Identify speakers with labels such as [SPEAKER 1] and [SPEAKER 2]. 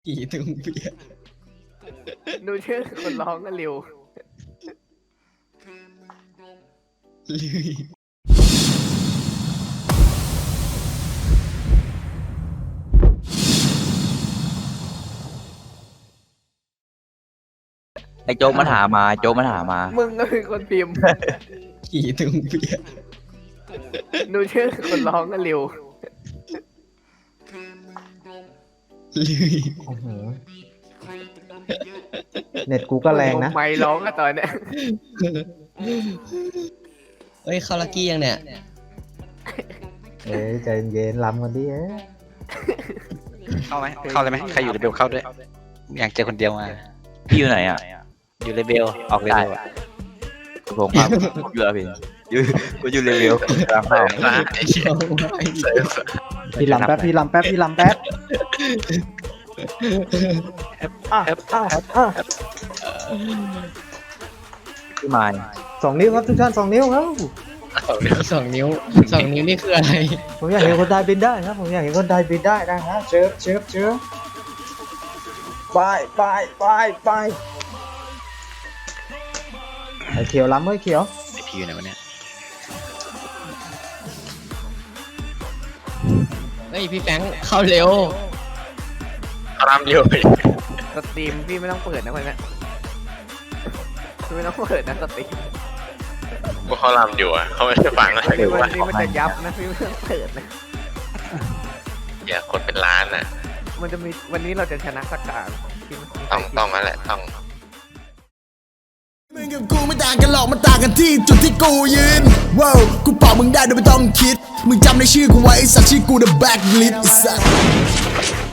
[SPEAKER 1] กี่ตุงเปีย
[SPEAKER 2] ดูชื่อคนร้องก็เร็ว
[SPEAKER 1] ลุย
[SPEAKER 3] ไอ้โจ๊กมันหามาโจ๊กมันหามา
[SPEAKER 2] มึงก็คือคนพิมพ์
[SPEAKER 1] กี่ตุงเปีย
[SPEAKER 2] ดูชื่อคนร้องก็เร็ว
[SPEAKER 1] ลุย
[SPEAKER 4] โอ้โหเน็ตกูก็แรงนะ
[SPEAKER 2] ไม่ร้องอะตอนเนี้ย
[SPEAKER 1] เฮ้ยเข้าลักกี้ยังเนี่ย
[SPEAKER 4] เอ้ยใจเย็นล้ำกันดิ
[SPEAKER 5] เข้าไหมเข้าเลยไหมใครอยู่เลเบลเข้าด้วยอยากเจอคนเดียวมา
[SPEAKER 3] พี่อยู่ไหนอ่ะ
[SPEAKER 5] อยู่เลเบลออกเลเบล
[SPEAKER 3] ผมครับผมอยู่แล้วพี่อยู่กูอยู่เลเวลกลางเข้า
[SPEAKER 4] พี่ลำแป๊บพี่ลำแป๊บพี่ลำแป๊บ
[SPEAKER 3] พี่มาย
[SPEAKER 4] 2 นิ้วครับทุกท่าน2 นิ้วครับ
[SPEAKER 1] 2 นิ้วนี่คืออะไร
[SPEAKER 4] ผมอยากเห็นคนไทยบินได้ครับผมอยากเห็นคนไทยบินได้นะฮะเชิญไปไอ้เขียวล้ำเฮ้ยเขียว
[SPEAKER 5] ไอพีอยู่ไหนวะเนี่ย
[SPEAKER 1] เฮ้ยพี่แฟงเข้าเร็ว
[SPEAKER 5] รามเดียว
[SPEAKER 2] สตรีมพี่ไม่ต้องเปิดนะคนเนี้ยไม่ต้องเปิดนะสตรีม
[SPEAKER 6] ว่าเขารำอยู่อ่ะเขาไม่ได้ฟังเลย
[SPEAKER 2] วันนี้มันจะยับนะพี่ไม่ต้องเปิดนะ
[SPEAKER 6] อย่าคนเป็นล้านอ่ะ
[SPEAKER 2] มันจะมีวันนี้เราจะชนะสักการที่มัน
[SPEAKER 6] ต้องนั่นแหละต้อง
[SPEAKER 7] มึงกับกูไม่ต่างกันหรอกมันต่างกันที่จุดที่กูยืนว้าวกูเป่ามึงได้โดยไม่ต้องคิดมึงจำในชื่อกูไว้ไอ้สัตว์ชื่อกู The Blacklist ไอ้สัตว์